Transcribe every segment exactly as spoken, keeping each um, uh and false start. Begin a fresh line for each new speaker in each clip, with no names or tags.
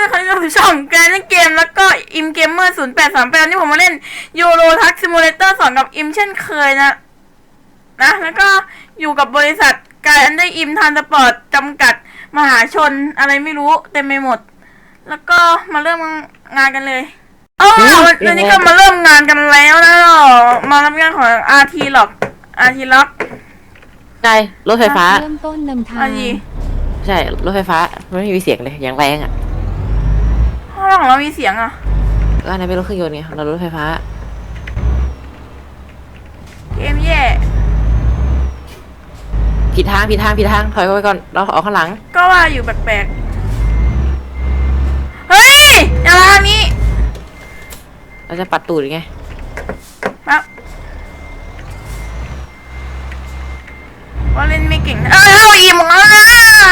ครั้งที่ช่องแกนเกมแล้วก็อิมเกมเมอร์ศูนย์แปดสามแปดนี่ผมมาเล่นยูโรทักซิมูเลเตอร์สองกับอิมเช่นเคยนะนะแล้วก็อยู่กับบริษัทกายอันได้อิมทานสปอร์ตจำกัดมหาชนอะไรไม่รู้เต็มไปหมดแล้วก็มาเริ่มงานกันเลยอ๋อวันนี้ก็มาเริ่มงานกันแล้วนะมารับงานของ อาร์ ที หรอก อาร์ ที ล็อก
ใช่รถไฟฟ้า
เริ่มต้นนำทาง
ใช่รถไฟฟ้าไม่มีเสียงเลยอย่างแรงอ่ะ
ห้องของเรามีเสียงอ่ะ
ก็อันนั้นเป็นรถเครื่องยนต์ไงเรารถไฟฟ้า
เกมแย่
ผิดทางผิดทางผิดทางถอยไปก่อนเราออกข้างหลัง
ก็ว่าอยู่แปลกๆเฮ้ยอย่าทางนี้
เราจะปัดตูดไง
ปั๊บว่าเล่นไม่เก่งเอ้ยเอาอีกมึงแล้วนะ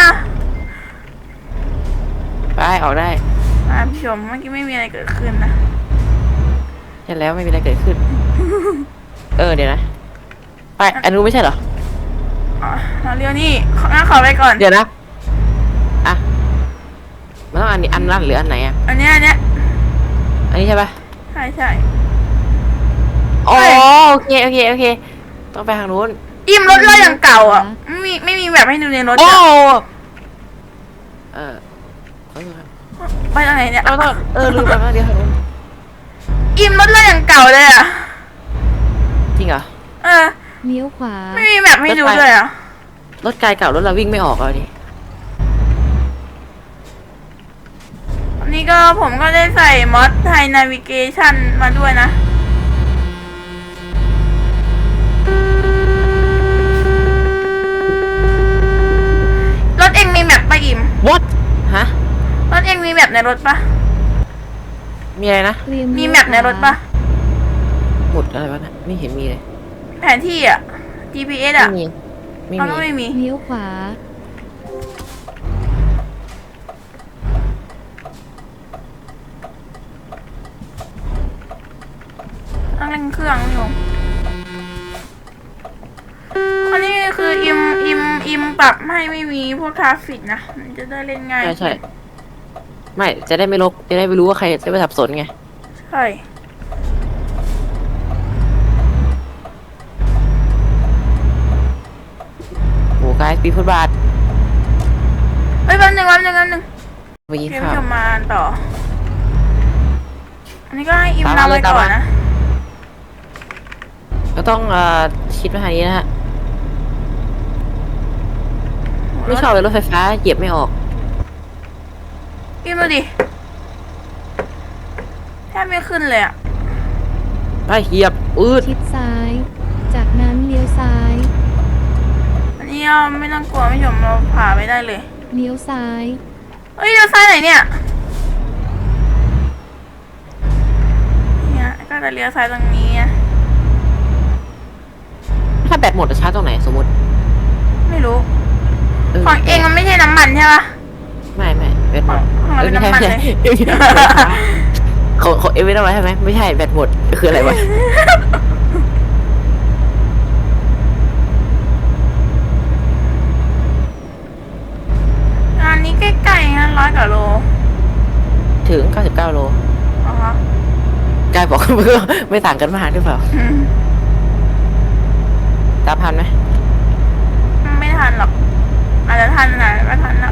ไปออกได้
อ่าพี่ชมเมื่อกี้ไม่มีอะไรเกิดขึ้นนะ
ใช่แล้วไม่มีอะไรเกิดขึ้นเออเดี๋ยวนะไปอันนู้นไม่ใช่เหรอ
อ๋อเราเรียวนี่งั้นขอไปก่อน
เดี๋ยวนะอ่ะมันต้องอันนี้อันนั้นหรืออันไหนอ่ะ
อันนี้อันนี้
อันนี้ใช่ปะ
ใช่ใช่
อ๋อโอเคโอเคโอเคต้องไปทางนู้น
อิ่มรถเราอย่างเก่าอ่ะไม่มีไม่มีแบบให้ดูในรถ
โอ้เออ
ไปทางไหนเนี่ย
เราต้องเออลืมไปแล้วเดี๋ยว
อิ่มรถเราอย่างเก่าเลยอ่ะ
จริงเหรอ
เออ
เลี้ยวขวา
ไม่มีแบบให้ดูเลยอ่ะ
รถไกลเก่ารถเราวิ่งไม่ออกเลยดิ
วันนี้ก็ผมก็ได้ใส่มอดไทยนาวิเกชันมาด้วยนะรถเองมีแมปปะอิม
What ฮะ
รถเองมีแมปในรถปะ
มีอะไรนะ
มีแมปในรถปะ
หมดอะไรวะนะไม่เห็นมีเลย
แผนที่อ่ะ จี พี เอส อ่ะ
ไม่มี
ไม่มีไม่มี
เลี้ยวขวา
ต้องเร่งเครื่องอยู่อันนี้คืออิมอิมอิมปรับให้ไม่มีพวกทราฟฟิกนะมันจะได้เล่นง่าย
ใช่ใช่ไม่จะได้ไม่ลกจะได้ไม่รู้ว่าใครจะไปสับสนไง
ใช่
โอ้กายปีฟุตบาท
เฮ้ยแป๊บนึงแป๊บนึงแป๊บนึง
ไปยิง
ข้าวจะมาต่ออันนี้ก็ให้อิมนำไปก่อนนะ
ก็ต้องเอ่อคิดมาทางนี้นะฮะไม่ชอบเลยรถไฟฟ้าเหยียบไม่ออก
อิมดูดิแทบไม่ขึ้นเลยอ่ะ
ไปเหยียบอืด
ชิดซ้ายจากนั้นเลี้ยวซ้าย
อันนี้ไม่ต้องกลัวไม่ชมเราผ่าไปได้เลย
เลี้ยวซ้าย
เฮ้ยเลี้ยวซ้ายไหนเนี่ยเนี่ยก็จะเลี้ยวซ้ายตรงนี้
ถ้าแบตหมดจะชาร์จตรงไหนสมมติ
ไม่รู้ของเองมันไม่ใช่น้ำมันใช่ปะ
ไม่ไม่แบตหมด
เออน้ำมันเลย
ของของเอเวนต์อะไรใช่ไหมไม่ใช่แบตหมดคืออะไรวะ
งานนี้ใกล้ๆนะร้อยกว่าโล
ถึงเก้าสิบเก้าโล
อ๋
อกายบอกเพื่อไม่ต่างกันมากหรือเปล่าตามทันไหม
ไม่ทันหรอกอาจจะทันนะก็ทันนะ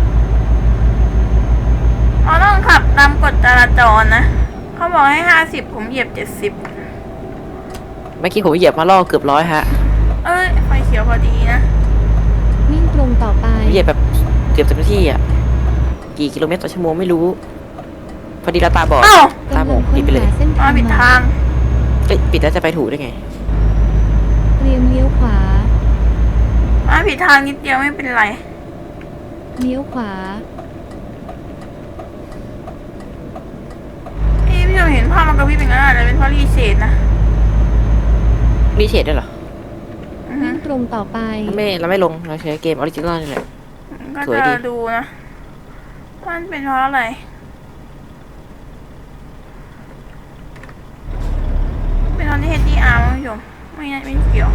เราต้องขับตามกฎจราจรนะเขาบอกให้ห้าสิบผมเหยียบเจ็ดสิบ
เมื่อกี้ผมเหยียบมาล่อเกือบร้อยฮะ
เอ้ยไฟเขียวพอดีนะ
วิ่งตรงต่อไป
เหยียบแบบเกือบเต็มที่อ่ะกี่กิโลเมตรต่อชั่วโมงไม่รู้พอดีเราตาบอดตาบอดปิดไปเลย
อ๋อปิดทาง
เอ้ยปิดแล้วจะไปถูกได้ไง
เตรียมเลี้ยวขวา
อ๋อผิดทางนิดเดียวไม่เป็นไร
เลี้ยวขวา
เอ้พี่เราเห็นภาพมันกระพริบเป็นงั้นอะไรเป็นเพราะรีเชดนะ
รีเชดด้วยเหรอ
วิ่งตรงต่อไป
ไม่เราไม่ลงเราใช้เกมออริจินอลนี่แหละ
ก็จะดูนะมันเป็นเพราะอะไรเป็นตอนที่ เอช ดี อาร์ มั้งโยมไม่ไม่เกี่ยว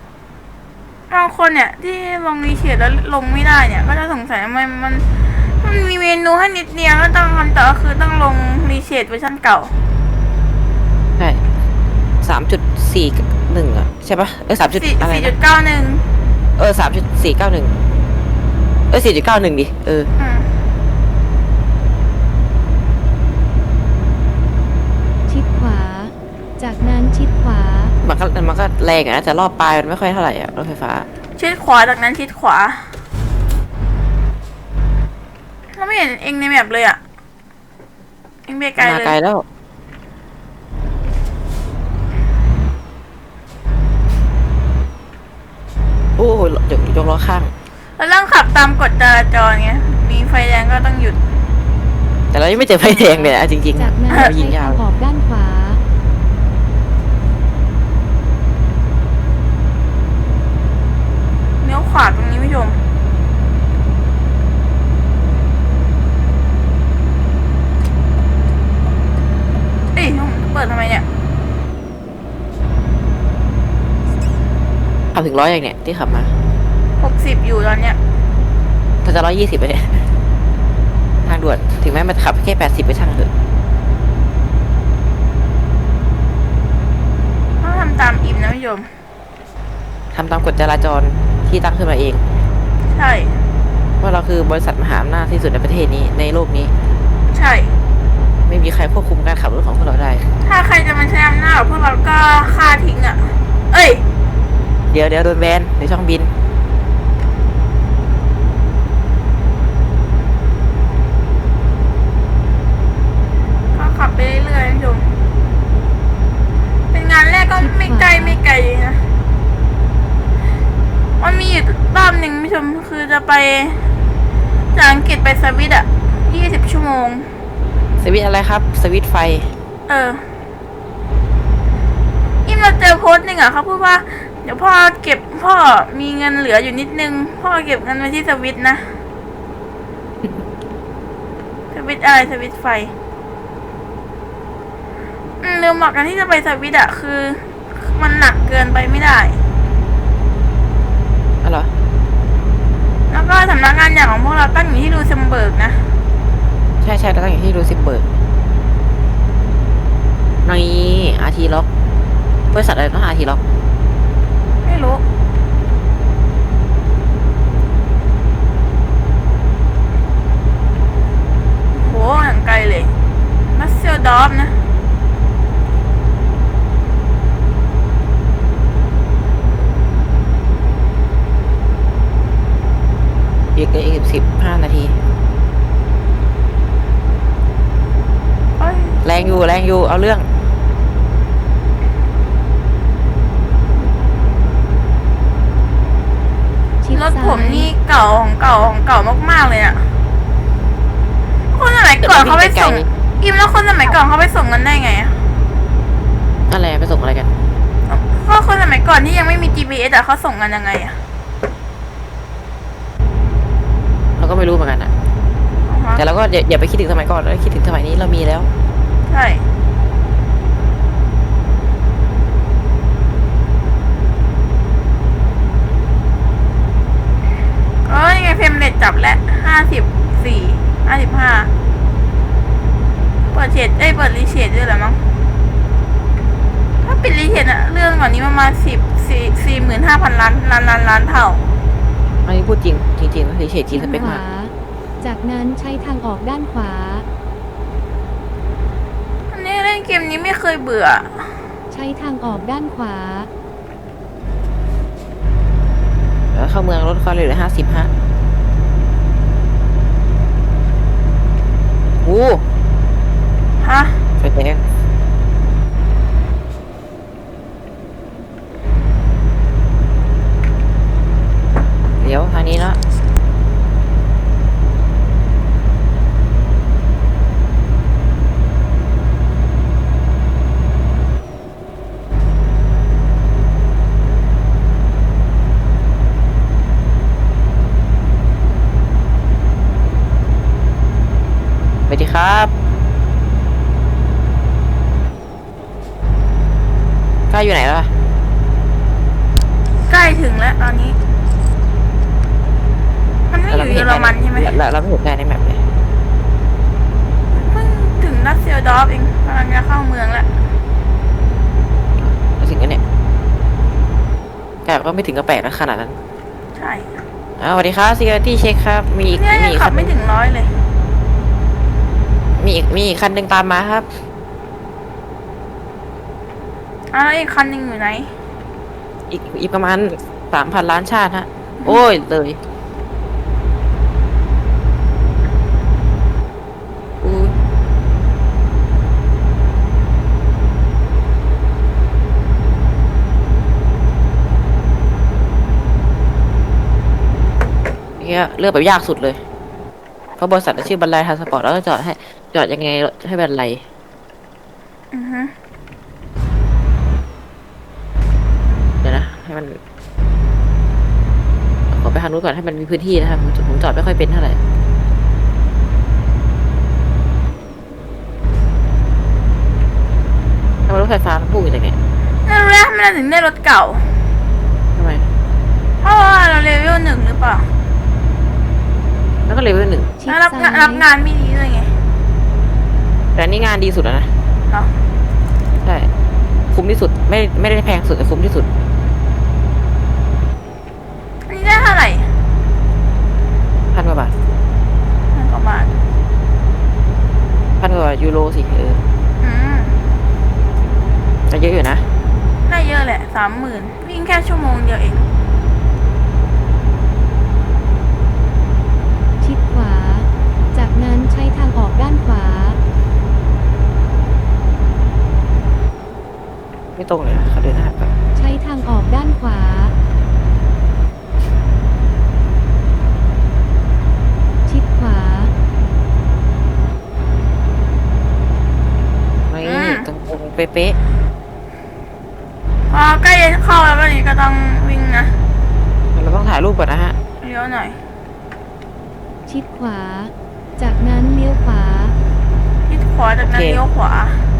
บางคนเนี่ยที่ลงรีเชดแล้วลงไม่ได้เนี่ยก็จะสงสัยทำไมมันมันมันมีเมนูให้นิดเดียวก็ต้องทำแต่ก็คือต้องลงรีเชดเวอร์ชันเก่า
ใช่สามจุดสี่หนึ่งอ่ะใช่ปะเออสามจุด
สี่
อะไร
สี่จุ
นะ
ดเก้าหนึ่ง
เออสามจุดสี่เก้าหนึ่งเออสี่จุดเก้าหนึ่งดิเออ
อืม
ชิดขวา จากนั้นชิดขวา
มันก็มันก็แรงอะนะแต่รอบปลายมันไม่ค่อยเท่าไหร่อะรถไฟฟ้า
ชิดขวาจากนั้นชิดขวาเราไม่เห็นเองในแมปเลยอะเองไปไกล
มา
เลย
ไกลแล้วโอ้โหยกยกล้อข้าง
แล้วต้องขับตามกฎจราจรไงมีไฟแดงก็ต้องหยุด
แต่เรายังไม่เจอไฟแดงเลยอะจริงๆ
จากนั้น
เรา
ใช้
ยิงยา
ทาว งออกด้านขวา
เลี้ยวขวาตรงนี้ผู้ชมเอ้ยเปิดทำไมเนี่ย
ขับถึงร้อยอย่างเนี้ยที่ขับมา
หกสิบอยู่ตอนเนี้ย
ถ้าจะร้อยยี่สิบไปเนี่ยทางด่วนถึงแม้มันขับแค่แปดสิบไปช่างเถอะ
ต้องทำตามอิมนะผู้ชม
ทำตามกฎจราจรที่ตั้งขึ้นมาเอง
ใช่
ว่าเราคือบริษัทมหาอำนาจที่สุดในประเทศนี้ในโลกนี้
ใช่
ไม่มีใครควบคุมการขับรถของพวกเราได้
ถ้าใครจะมาใช้อำนาจกับพวกเราก็ฆ่าทิ้งอ่ะ เอ้ย
เดี๋ยวเดี๋ยวโดนแบนในช่องบิน
ก็ขับไปเรื่อยๆผู้ชมเป็นงานแรกก็ไม่ไกลไม่ไกลนะ มันมีอยู่รอบหนึ่งผู้ชมคือจะไปจากอังกฤษไปสวิตอ่ะยี่สิบชั่วโมง
สวิตช์อะไรครับ สวิตช์ไฟ
เอออิมเราเจอโพสต์หนึ่งอ่ะเขาพูดว่า เดี๋ยวพ่อเก็บพ่อมีเงินเหลืออยู่นิดนึง พ่อเก็บเงินไว้ที่สวิตนะ สวิตอะไรสวิตไฟอืมลืมบอกกันที่จะไปสวิตอ่ะคือ มันหนักเกินไปไม่ได้
อ๋อเหรอ
แล้วก็สำนักงานใหญ่ของพวกเราตั้งอยู่ที่ลูเซมเบิร์กนะ
ใช่ใช่เราต้องอยู่ที่รูซิเบิร์กนี่อาร์ทีล็อกบริษัทอะไรต้องอาร์ทีล็อก
ไม่รู้ โหอย่างไกลเลยมัสเซลดอฟนะ
อีกอีกสิบห้านาที
เอ้ย
แรงอยู่แรงอยู่เอาเรื่อง
ชิด
รถ
ซ้าย
ผมนี่เก่าของเก่าของเก่ามากๆเลยอะคนสมัยก่อนเขาไปส่ง อิมแล้วคนสมัยก่อนเขาไปส่งกันได้ไงอะ
อะไรไปส่งอะไรกัน
ก็คนสมัยก่อนที่ยังไม่มี จี พี เอส อะเขาส่งกันยังไงอะ
เราก็ไม่รู้เหมือนกันอะ
อ๋อฮะ
แต่เราก็อย่าอย่าไปคิดถึงสมัยก่อนเราคิดถึงสมัยนี้เรามีแล้ว
ใช่เอ้ยยังไงเฟรมเรทจับแล้วห้าสิบสี่ห้าสิบห้าเปิดเฉดเอ้ยเปิดรีเชดด้วยเหรอมั้งถ้าปิดรีเชดอะเรื่องก่อนนี้ประมาณสิบสี่สี่หมื่นห้าพันล้านล้านล้านล้านเท่า
อันนี้พูดจริงจริงๆนะเฉยๆจริงสเปค
ข
มาก
วา จากนั้นใช้ทางออกด้านขวา
อันนี้เล่นเกมนี้ไม่เคยเบื่อ
ใช้ทางออกด้านขวา
แล้วเข้าเมืองรถเขาเลยเหลือห้าสิบฮะโอ้
ฮะ
ไฟแดงเดี๋ยวทางนี้แล้วสวัสดีครับใกล้อยู่ไหนแล้วล่ะ
ใกล้ถึงแล้วตอนนี้ มันไม่อยู่เยอรมันใช่ไหม
เราเราไม่เห็นได้ในแมปเลย
เพิ่งถึงรัสเซียดอฟเองกำลังจะเข้าเมืองแล้ว
เราถึงกันเนี่ยแต่ก็ไม่ถึงกับแปลกนะขนาดนั้น
ใช่
อ่าสวัสดีครับ security check ครับ มีอีก
เนี่ย
มี
ยัง
อีก
ขั
คั
บ
น
ไม่ถึงร้อยเลย
มีอีกมีอีกคันหนึ่งตามมาครับ
อ่ะแล้วอีกคันหนึ่งอยู่ไหน
อีกอีกประมาณสามพันล้านชาติฮะ โอ้ยเลยอู้เนี่ยเลือกแบบยากสุดเลย เพราะบริษัทชื่อบันไลทรานสปอร์ตแล้วก็จอดให้จอดยังไงให้บันไล
อือฮึ
เดี๋ยวนะ ให้มันขอไปทางนู้นก่อนให้มันมีพื้นที่นะครับผมผมจอดไม่ค่อยเป็นเท่าไหร่ทำไมรถไฟฟ้ามันพุ่งอย่างเงี้ย
นั่นรู้แล้วทำไมเราถึงได้รถเก่า
ทำไม
เพราะว่าเราเลเวลหนึ่งหรือเปล่า
แล้วก็เลเวลหนึ่ง
ชิด
แล้วรับ
ซ้าง
านรับ
ย
งานไม่ดีด้วยไง
แต่อันนี่งานดีสุดแล้วนะ
เหรอ
ใช่ คุ้มที่สุด ไม่ไม่ได้แพงสุดแต่คุ้มที่สุด
อันนี้ได้เท่าไหร่
พันกว่าบาท
พันกว่าบาท
พันกว่ายูโรสิเออ
อืม
แต่เยอะอยู่นะ
ได้เยอะแหละสามหมื่นวิ่งแค่ชั่วโมงเดียวเอง
ชิดขวา จากนั้นใช้ทางออกด้านขวา
ไม่ตรงเลยนะเขาเดินหน้าไป
ใช้ทางออกด้านขวา ชิดขวา
ไม่
อืม
ตรงตรงเป๊ะ
พอใกล้จะเข้าแล้ววันนี้ก็ต้องวิ่งนะ
ๆเราต้องถ่ายรูปก่อนนะฮะ
เลี้ยวหน่อย
ชิดขวา จากนั้นเลี้ยวขวา
ทิศขวาจากนั้น
โอเค
เลี้ยวขวา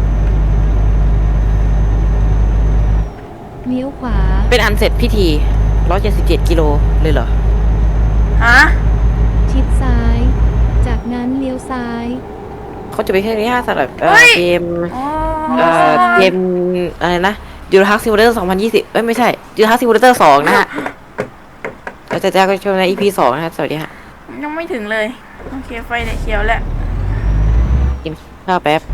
เลี้ยวขวา
เป็นอันเสร็จพิธีร้อยเจ็ดสิบเจ็ดกิโลเลยเหรอ
ฮะ
ชิดซ้าย จากนั้นเลี้ยวซ้าย
เขาจะไปแค่นี้ฮะสำหรับเอ่
เฮ้
อย เกม
อ๋อ
เอ่อเกมอะไรนะยูโรทักซิมูเลเตอร์สองพันยี่สิบเอ้ยไม่ใช่ยูโรทักซิมูเลเตอร์สองนะฮะแล้วจะแจ้งก็ชมใน อี พี สองนะฮะสวัสดีฮะ
ยังไม่ถึงเลย โอเค ไฟเนี่ยเขียวแล้ว
กินข้าวแป๊บ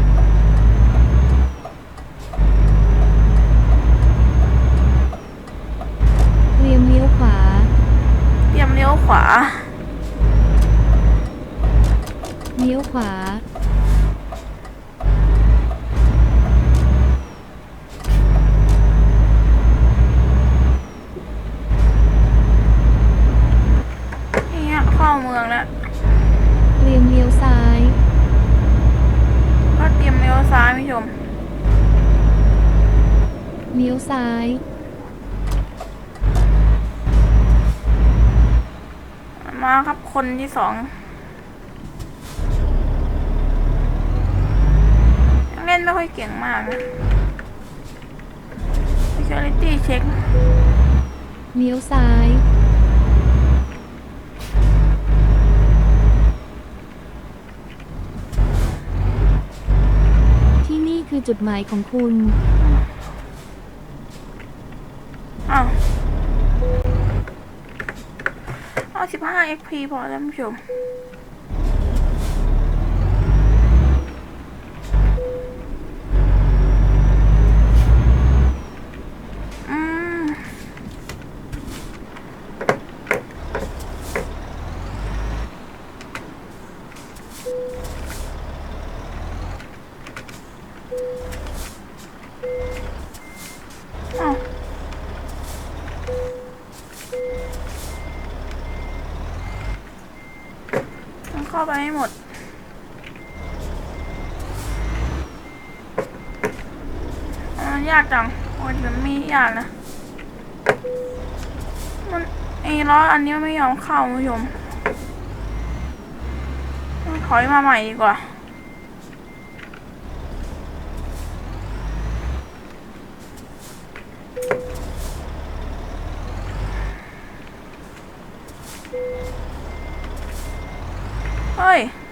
เตรียมเลี้ยวขวา
เตรียมเลี้ยวขวา
เลี้ยวขวา
เนี่ยเข้าเมืองแล้ว
เตรียมเลี้ยวซ้าย
ก็เตรียมเลี้ยวซ้ายพี่ชม
เลี้ยวซ้าย
มาครับคนที่สองยังเล่นไม่ค่อยเก่งมากนะ security check
เลี้ยวซ้าย ที่นี่คือจุดหมายของคุณ
อ้าวเอาสิบห้า เอ็กซ์ พี พอแล้วผู้ชม อืม อ้าว ต้องเข้าไปให้หมด อ่ายากจังโอ้ยมันไม่ยากนะ มันไอ้ล้ออันนี้มันไม่ยอมเข้าคุณผู้ชมต้องถอยมาใหม่ดีกว่าเฮ้ย